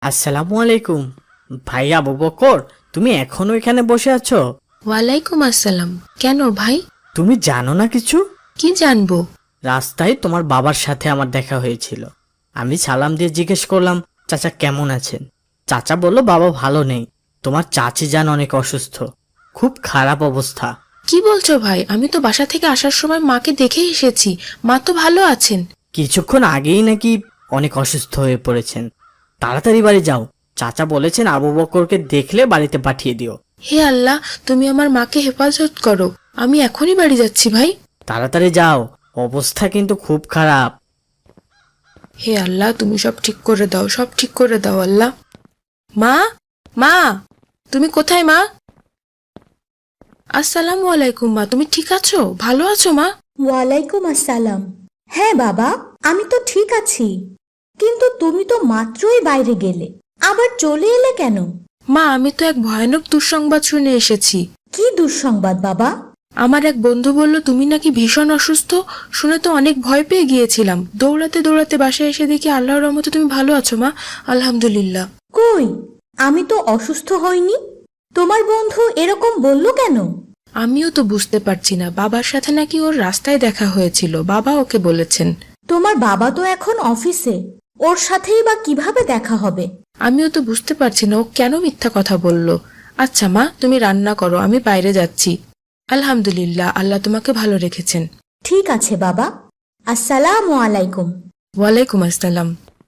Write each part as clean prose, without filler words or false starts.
আসসালামু আলাইকুম। ভাই আবু বকর, তুমি এখনো এখানে বসে আছো? ওয়ালাইকুম আসসালাম। কেন ভাই? তুমি জানো না কিছু? কি জানবো? রাস্তায় তোমার বাবার সাথে আমার দেখা হয়েছিল। আমি সালাম দিয়ে জিজ্ঞেস করলাম, চাচা কেমন আছেন? চাচা বলল বাবা ভালো নেই, তোমার চাচি যান অনেক অসুস্থ, খুব খারাপ অবস্থা। কি বলছো ভাই? আমি তো বাসা থেকে আসার সময় মাকে দেখে এসেছি। মা তো ভালো আছেন। কিছুক্ষণ আগেই নাকি অনেক অসুস্থ হয়ে পড়েছেন। তাড়াতাড়ি বাড়ি যাও, চাচা বলেছেন আবু বকরকে দেখলে বাড়িতে পাঠিয়ে দিও। হে আল্লাহ, তুমি আমার মাকে হেফাজত করো। আমি এখনই বাড়ি যাচ্ছি ভাই। তাড়াতাড়ি যাও, অবস্থা কিন্তু খুব খারাপ। হে আল্লাহ, তুমি সব ঠিক করে দাও, সব ঠিক করে দাও আল্লাহ। মা, মা, তুমি কোথায় মা? আসসালামু আলাইকুম মা, তুমি ঠিক আছো? ভালো আছো মা? ওয়ালাইকুম আসসালাম। হ্যাঁ বাবা, আমি তো ঠিক আছি, কিন্তু তুমি তো মাত্রই বাইরে গেলে, আবার চলে এলে কেন? মা, আমি তো এক ভয়ানক দুঃসংবাদ শুনে এসেছি। কি দুঃসংবাদ বাবা? আমার এক বন্ধু বলল তুমি নাকি ভীষণ অসুস্থ। শুনে তো অনেক ভয় পেয়ে গিয়েছিলাম। দৌড়াতে দৌড়াতে বাসায় এসে দেখি আল্লাহর রহমতে তুমি ভালো আছো মা। আলহামদুলিল্লাহ। কই, আমি তো অসুস্থ হইনি। তোমার বন্ধু এরকম বলল কেন? আমিও তো বুঝতে পারছি না। বাবার সাথে নাকি ওর রাস্তায় দেখা হয়েছিল, বাবা ওকে বলেছেন। তোমার বাবা তো এখন অফিসে, ওর সাথেই বা কিভাবে দেখা হবে? আমিও তো বুঝতে পারছি না ও কেন মিথ্যা কথা বলল। আচ্ছা মা, তুমি রান্না করো, আমি বাইরে যাচ্ছি। আলহামদুলিল্লাহ, আল্লাহ তোমাকে ভালো রেখেছেন। ঠিক আছে বাবা। আসসালামু আলাইকুম। ওয়ালাইকুম আসসালাম।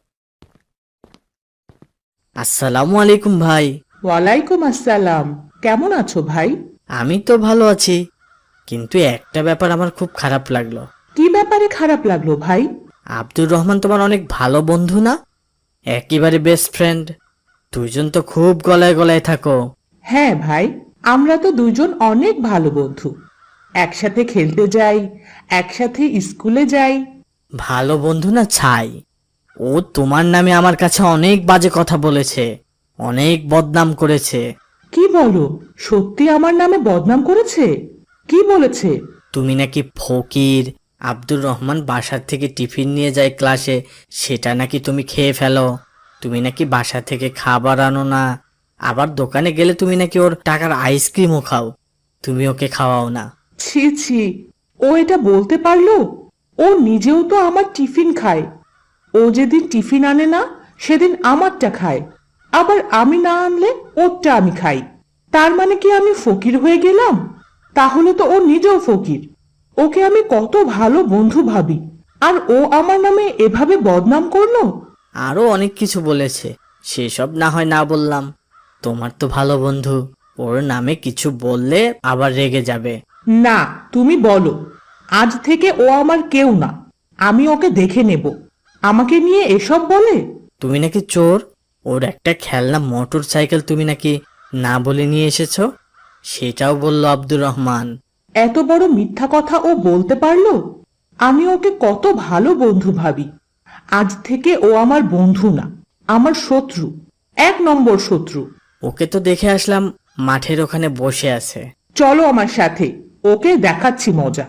আসসালামু আলাইকুম ভাই। ওয়ালাইকুম আসসালাম। কেমন আছো ভাই? আমি তো ভালো আছি, কিন্তু একটা ব্যাপার আমার খুব খারাপ লাগলো। কি ব্যাপারে খারাপ লাগলো ভাই? আব্দুর রহমান তোমার অনেক ভালো বন্ধু না? একেবারে বেস্ট ফ্রেন্ড। দুইজন তো খুব গলায় গলায় থাকো। হ্যাঁ ভাই, আমরা তো দুজন অনেক ভালো বন্ধু। একসাথে খেলতে যাই, একসাথে স্কুলে যাই। ভালো বন্ধু না ছাই। ও তোমার নামে আমার কাছে অনেক বাজে কথা বলেছে, অনেক বদনাম করেছে। কি বলো, সত্যি আমার নামে বদনাম করেছে? কি বলেছে? তুমি নাকি ফকির, আব্দুর রহমান বাসার থেকে টিফিন নিয়ে যায় ক্লাসে, সেটা নাকি তুমি খেয়ে ফেলো। তুমি নাকি বাসা থেকে খাবার আনো না, আবার দোকানে গেলে তুমি নাকি ওর টাকার আইসক্রিমও খাও, তুমি ওকে খাওয়াও না। ছি ছি, ও এটা বলতে পারলো? ও নিজেও তো আমার টিফিন খায়। ও যেদিন টিফিন আনে না, সেদিন আমারটা খায়। আবার আমি না আনলে ওরটা আমি খাই। তার মানে কি আমি ফকির হয়ে গেলাম? তাহলে তো ও নিজেও ফকির। ওকে আমি কত ভালো বন্ধু ভাবি, আর ও আমার নামে এভাবে বদনাম করলো। আরো অনেক কিছু বলেছে, সেসব না হয় না বললাম। তোমার তো ভালো বন্ধু, ওর নামে কিছু বললে আবার রেগে যাবে। না, তুমি বলো। আজ থেকে ও আমার কেউ না। আমি ওকে দেখে নেব। আমাকে নিয়ে এসব বলে? তুমি নাকি চোর, ওর একটা খেলনা মোটর সাইকেল তুমি নাকি না বলে নিয়ে এসেছো, সেটাও বলল আব্দুর রহমান। এত বড় মিথ্যা কথা ও বলতে পারলো? আমি ওকে কত ভালো বন্ধু ভাবি। আজ থেকে ও আমার বন্ধু না, আমার শত্রু, 1 নম্বর শত্রু। ওকে তো দেখে আসলাম মাঠের ওখানে বসে আছে। চলো আমার সাথে, ওকে দেখাচ্ছি মজা।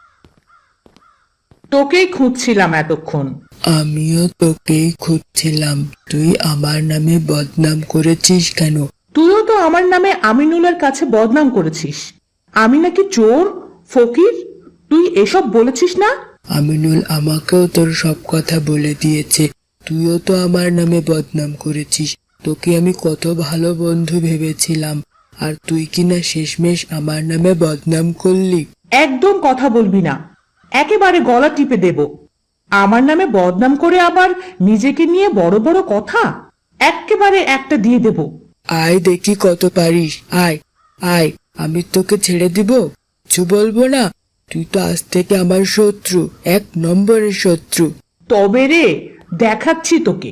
তোকেই খুঁজছিলাম এতক্ষণ। আমিও তোকেই খুঁজছিলাম। তুই আমার নামে বদনাম করেছিস কেন? তুইও তো আমার নামে আমিনুলের কাছে বদনাম করেছিস। আমি নাকি চোর, ফকির, তুই এসব বলেছিস না? আমিনুল আমাকেও তোর সব কথা বলে দিয়েছে। তুইও তো আমার নামে বদনাম করেছিস। তোকে আমি কত ভালো বন্ধু ভেবেছিলাম, আর তুই কিনা শেষমেশ আমার নামে বদনাম করলি। একদম কথা বলবি না, একেবারে গলা টিপে দেব। আমার নামে বদনাম করে আবার নিজেকে নিয়ে বড় বড় কথা, একেবারে একটা দিয়ে দেব। আয় দেখি কত পারিস। আয় আয়, আমি তোকে ছেড়ে দিব, কিছু বলবো না। তুই তো আজ থেকে আমার শত্রু, 1 নম্বরের শত্রু। তবে রে, দেখাচ্ছি তোকে।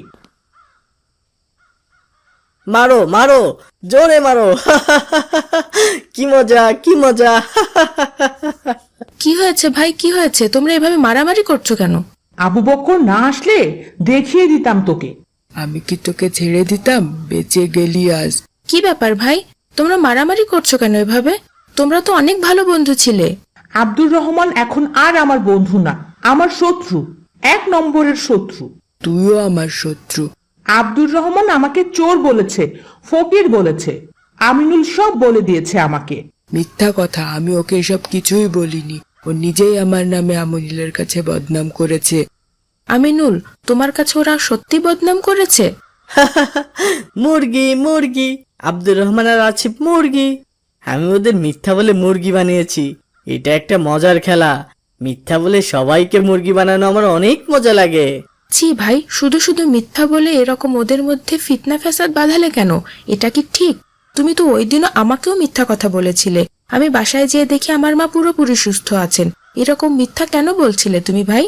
মারো মারো, জোরে মারো। কি মজা, কি মজা। কি হয়েছে ভাই, কি হয়েছে? তোমরা এভাবে মারামারি করছো কেন? আবু বক্কর না আসলে দেখিয়ে দিতাম তোকে। আমি কি তোকে ছেড়ে দিতাম? বেঁচে গেলি আজ। কি ব্যাপার ভাই, তোমরা মারামারি করছো কেন এভাবে? তোমরা তো অনেক ভালো বন্ধু ছিলে। আব্দুর রহমান এখন আর আমার বন্ধু না, আমার শত্রু, 1 নম্বরের শত্রু। তুইও আমার শত্রু। আব্দুর রহমান আমাকে চোর বলেছে, ফকির বলেছে, আমিনুল সব বলে দিয়েছে আমাকে। মিথ্যা কথা, আমি ওকে এসব কিছুই বলিনি। ও নিজেই আমার নামে আমিনুলের কাছে বদনাম করেছে। আমিনুল, তোমার কাছে ওরা সত্যি বদনাম করেছে? মুরগি মুরগি, আব্দুর রহমান আর আসিফ মুরগি। আমি ওদের মিথ্যা বলে মুরগি বানিয়েছি। এটা একটা মজার খেলা। মিথ্যা বলে সবাইকে মুরগি বানানো আমার অনেক মজা লাগে। ছি ভাই, শুধু শুধু মিথ্যা বলে এরকম ওদের মধ্যে ফিতনা ফ্যাসাদ বাঁধালে কেন? এটা কি ঠিক? তুমি তো ওই দিনও আমাকেও মিথ্যা কথা বলেছিলে। আমি বাসায় যেয়ে দেখি আমার মা পুরোপুরি সুস্থ আছেন। এরকম মিথ্যা কেন বলছিলে তুমি ভাই?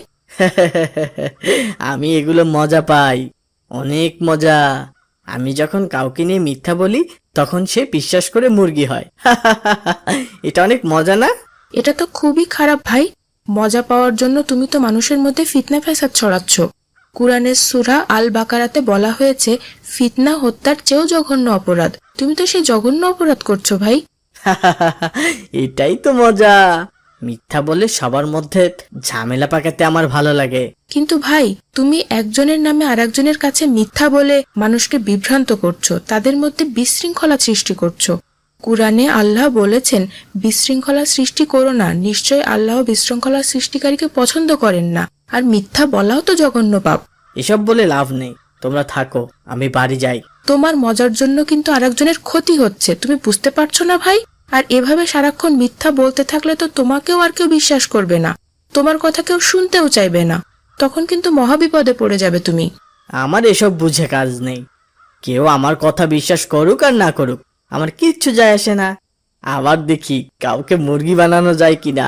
আমি এগুলো মজা পাই, অনেক মজা। আমি যখন কাউকে নিয়ে মিথ্যা বলি তখন সে বিশ্বাস করে মুরগি হয়। এটা অনেক মজা না? এটা তো খুবই খারাপ ভাই। মজা পাওয়ার জন্য তুমি তো মানুষের মধ্যে ফিতনা ফ্যাসাদ ছড়াচ্ছ। কুরআনের সূরা আল বাকারাতে বলা হয়েছে ফিতনা হত্যার চেয়েও জঘন্য অপরাধ। তুমি তো সেই জঘন্য অপরাধ করছো ভাই। এটাই তো মজা। মিথ্যা বলে সবার মধ্যে ঝামেলা পাকাতে আমার ভালো লাগে। কিন্তু ভাই, তুমি একজনের নামে আরেকজনের কাছে মিথ্যা বলে মানুষকে বিভ্রান্ত করছো, তাদের মধ্যে বিশৃঙ্খলা সৃষ্টি করছো। কুরআনে আল্লাহ বলেছেন বিশৃঙ্খলা সৃষ্টি করো না, নিশ্চয় আল্লাহ বিশৃঙ্খলা সৃষ্টিকারীকে পছন্দ করেন না। আর মিথ্যা বলাও তো জঘন্য পাপ। এসব বলে লাভ নেই, তোমরা থাকো, আমি বাড়ি যাই। তোমার মজার জন্য কিন্তু আরেকজনের ক্ষতি হচ্ছে, তুমি বুঝতে পারছো না ভাই? আর এভাবে সারাক্ষণ মিথ্যা বলতে থাকলে তো তোমাকেও আর কেউ বিশ্বাস করবে না, তোমার কথা কেউ শুনতেও চাইবে না। তখন কিন্তু মহাবিপদে পড়ে যাবে তুমি। আমার এসব বুঝে কাজ নেই। কেউ আমার কথা বিশ্বাস করুক আর না করুক, আমার কিচ্ছু যায় আসে না। আবার দেখি কাউকে মুরগি বানানো যায় কিনা।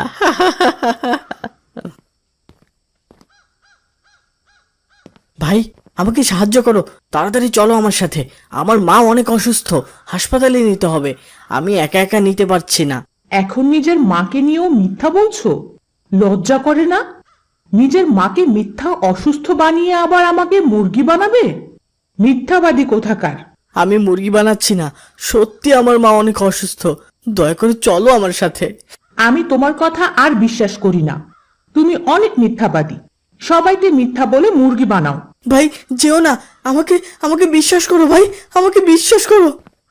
ভাই, আমাকে সাহায্য করো, তাড়াতাড়ি চলো আমার সাথে। আমার মা অনেক অসুস্থ, হাসপাতালে নিতে হবে। আমি একা একা নিতে পারছি না। এখন নিজের মাকে নিয়েও মিথ্যা বলছো? লজ্জা করে না? নিজের মাকে মিথ্যা অসুস্থ বানিয়ে আবার আমাকে মুরগি বানাবে? মিথ্যাবাদী কোথাকার! আমি মুরগি বানাচ্ছি না, সত্যি আমার মা অনেক অসুস্থ। দয়া করে চলো আমার সাথে। আমি তোমার কথা আর বিশ্বাস করি না। তুমি অনেক মিথ্যাবাদী। সবাইকে মিথ্যা বলে মুরগি বানাও। ভাই যেও না, আমাকে আমাকে বিশ্বাস করো ভাই, আমাকে বিশ্বাস করো।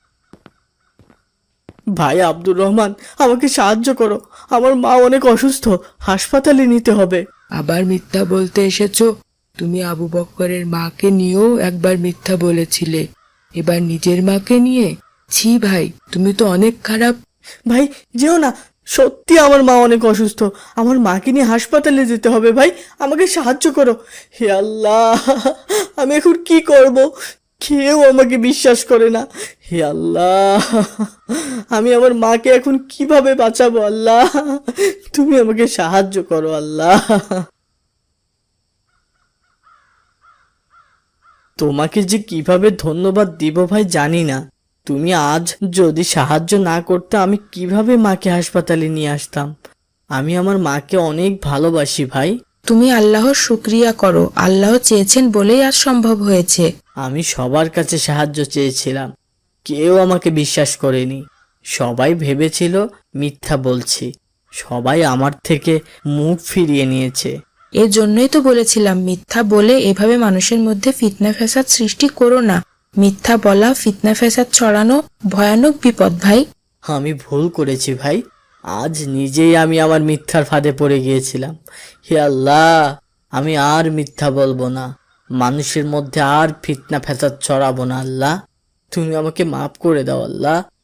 ভাই আব্দুর রহমান, আমাকে সাহায্য করো। আমার মা অনেক অসুস্থ, হাসপাতালে নিতে হবে। আবার মিথ্যা বলতে এসেছো? তুমি আবু বক্করের মাকে নিয়েও একবার মিথ্যা বলেছিলে, এবার নিজের মাকে নিয়ে? ছি ভাই, তুমি তো অনেক খারাপ। ভাই যেও না, সত্যি আমার মা অনেক অসুস্থ। আমার মাকে নিয়ে হাসপাতালে যেতে হবে। ভাই আমাকে সাহায্য করো। হে আল্লাহ, আমি এখন কি করব? কেউ আমাকে বিশ্বাস করে না। হে আল্লাহ, আমি আমার মাকে এখন কিভাবে বাঁচাবো? আল্লাহ, তুমি আমাকে সাহায্য করো আল্লাহ। তোমাকে যে কিভাবে ধন্যবাদ দিব ভাই জানি না। তুমি আজ যদি সাহায্য না করতে আমি কিভাবে মাকে হাসপাতালে নিয়ে আসতাম। আমি আমার মাকে অনেক ভালোবাসি ভাই। তুমি আল্লাহর শুকরিয়া করো, আল্লাহ চেয়েছেন বলেই আজ সম্ভব হয়েছে। আমি সবার কাছে সাহায্য চেয়েছিলাম, কেউ আমাকে বিশ্বাস করেনি। সবাই ভেবেছিল মিথ্যা বলছি। সবাই আমার থেকে মুখ ফিরিয়ে নিয়েছে। এর জন্যই তো বলেছিলাম মিথ্যা বলে এভাবে মানুষের মধ্যে ফিতনা ফ্যাসাদ সৃষ্টি করো না। মিথ্যা বলা, ফিতনা ফ্যাসাদ ছড়ানো ভয়ানক বিপদ ভাই। আমি ভুল করেছি ভাই। আজ নিজেই আমি আমার মিথ্যার ফাঁদে পড়ে গিয়েছিলাম। হে আল্লাহ, আমি আর মিথ্যা বলবো না। মানুষের মধ্যে আর ফিতনা ফ্যাসাদ ছড়াবো না। আল্লাহ, তুমি আমাকে মাফ করে দাও আল্লাহ।